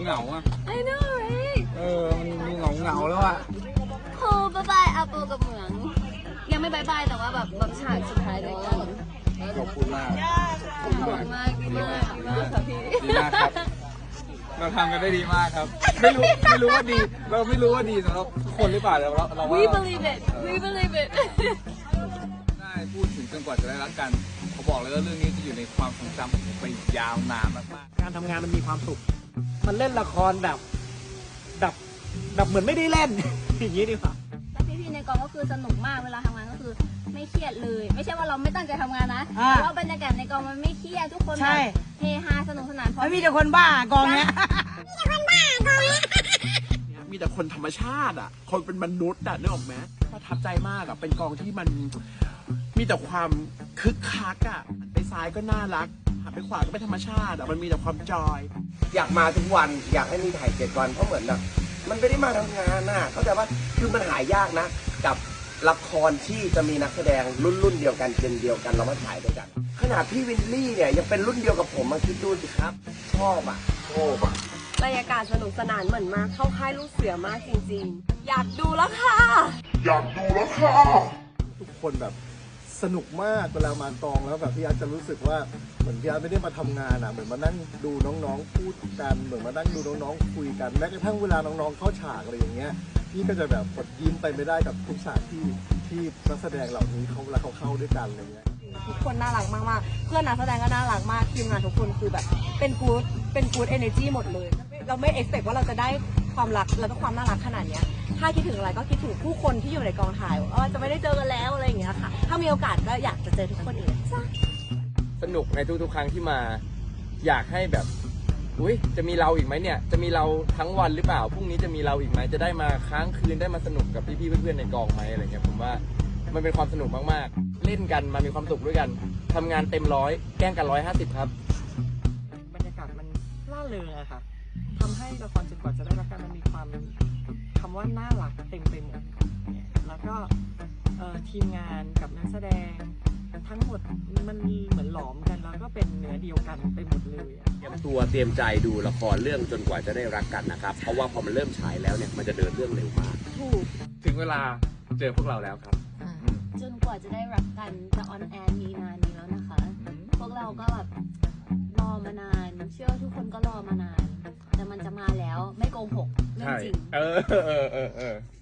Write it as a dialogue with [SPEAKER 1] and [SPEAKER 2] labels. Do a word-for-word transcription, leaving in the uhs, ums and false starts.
[SPEAKER 1] เหงาอ่ะ
[SPEAKER 2] I know right
[SPEAKER 1] เออมันดูเหงาเหงาแล้วอ่ะ
[SPEAKER 2] โฮบายบายอาโปกับเหมืองยังไม่บายบายแต่ว่าแบบแบบฉากสุดท้ายด้วยกัน
[SPEAKER 1] ขอบคุณมาก
[SPEAKER 2] ขอบคุณมากดีมากดีมากค่ะพี่
[SPEAKER 1] ดีมากครับ เราทำกันได้ดีมากครับ ไม่รู้ไม่รู้ว่าดี เราไม่รู้ว่าดีสำหรับทุกคนหรือเปล่าแต่เราเราว่า
[SPEAKER 2] We believe it We believe it
[SPEAKER 1] ได้พูดถึงจนกว่าจะได้รักกันเขาบอกเลยว่าเรื่องนี้จะอยู่ในความทรงจำผมไปยาวนานมากๆ
[SPEAKER 3] การทำงานมันมีความสุข มันเล่นละครแบบแบบแบบเหมือนไม่ได้เล่น อย่างนี้ดีกว่า
[SPEAKER 2] แล้วพี่ๆในกองก็คือสนุกมากเวลาทำงานก็คือไม่เครียดเลย ไม่ใช่ว่าเราไม่ตั้งใจทำงานนะแต่ว่าบรรยากาศในกองมันไม่เครียดทุกคนแบบเฮฮาสนุกสนานเพราะ
[SPEAKER 3] มีแต่คนบ้ากองเนี้ย
[SPEAKER 4] มีแต่คนบ้ากองเนี้ยมีแต่คนธรรมชาติอ่ะคนเป็นมนุษย์อ่ะนึกออกไหมประทับใจมากอ่ะเป็นกองที่มันมีแต่ความคึกคักอ่ะไปซ้ายก็น่ารักหันไปขวาก็เป็นธรรมชาติอ่ะมันมีแต่ความจอย
[SPEAKER 5] อยากมาทุกวันอยากให้มีถ่ายเจ็ดวันเพราะเหมือนแบบมันไม่ได้มาทำงานน่ะเข้าใจว่าคือมันหายากนะกับละครที่จะมีนักแสดงรุ่นรุ่นเดียวกันเจนเดียวกันเรามาถ่ายด้วยกันขนาดพี่วินลี่เนี่ยยังเป็นรุ่นเดียวกับผมมาคิดดูสิครับชอบอ่ะชอบอ่ะ
[SPEAKER 6] บรรยากาศสนุกสนานเหมือนมาเข้าค่ายลูกเสือมากจริงๆอยากดูแล้วค่ะ
[SPEAKER 4] อยากดูแล้วค่ะ
[SPEAKER 7] ทุกคนแบบสนุกมากเวลามากองแล้วแบบพี่อาร์ตจะรู้สึกว่าเหมือนพี่อาร์ตไม่ได้มาทำงานอ่ะเหมือนมานั่งดูน้องๆพูดกันเหมือนมานั่งดูน้องๆคุยกันแม้กระทั่งเวลาน้องๆเข้าฉากอะไรอย่างเงี้ยพี่ก็จะแบบกดยิ้มไปไม่ได้กับทุกฉากที่ที่นักแสดงเหล่านี้เขาเวลาเขาเข้าด้วยกันอะไรเงี้ย
[SPEAKER 6] ทุกคนน่ารักมากๆเพื่อนนักแสดงก็น่ารักมากทีมงานทุกคนคือแบบเป็นกู๊ดเป็นกู๊ดเอเนอร์จีหมดเลยเราไม่เอ็กซ์เพคว่าเราจะได้ความรักแล้วก็ความน่ารักขนาดเนี้ยถ้าคิดถึงอะไรก็คิดถึงผู้คนที่อยู่ในกองถ่ายว่าจะไม่ได้เจอกันแล้วอะไรอย่างเงี้ยค่ะถ้ามีโอกาสก็อยากจะเจอทุกคนอีกจ้ะ
[SPEAKER 8] สนุกในทุกๆครั้งที่มาอยากให้แบบอุ้ยจะมีเราอีกไหมเนี่ยจะมีเราทั้งวันหรือเปล่าพรุ่งนี้จะมีเราอีกไหมจะได้มาค้างคืนได้มาสนุกกับพี่ๆเพื่อนๆในกองไหมอะไรเงี้ยผมว่ามันเป็นความสนุกมากๆเล่นกันมามีความสุขด้วยกันทำงานเต็มร้อยแกล้งกันร้อยห้าสิบครับ
[SPEAKER 3] บรรยากาศมันล่าเริงอะค่ะทำให้ละครจนกว่าจะได้รักกันมันมีความคำว่าน่ารักเต็มไปหมดแล้วก็ทีมงานกับนักแสดงทั้งหมดมันเหมือนหลอมกันแล้วก็เป็นเนื้อเดียวกันไปหมดเลย
[SPEAKER 9] เตรียมตัวเตรียมใจดูละครเรื่องจนกว่าจะได้รักกันนะครับเพราะว่าพอมันเริ่มฉายแล้วเนี่ยมันจะเดินเรื่องเร็วมาก
[SPEAKER 2] ถูก
[SPEAKER 1] ถึงเวลาเจอพวกเราแล้วครับ
[SPEAKER 2] จนกว่าจะได้รักกันจะออนแอร์มีนานนี้แล้วนะคะพวกเราก็แบบรอมานานเชื่อทุกคนก็รอมานานแต่มันจะมาแล้วไม่โกหกเรื่องจริง
[SPEAKER 1] เออเออเออเออ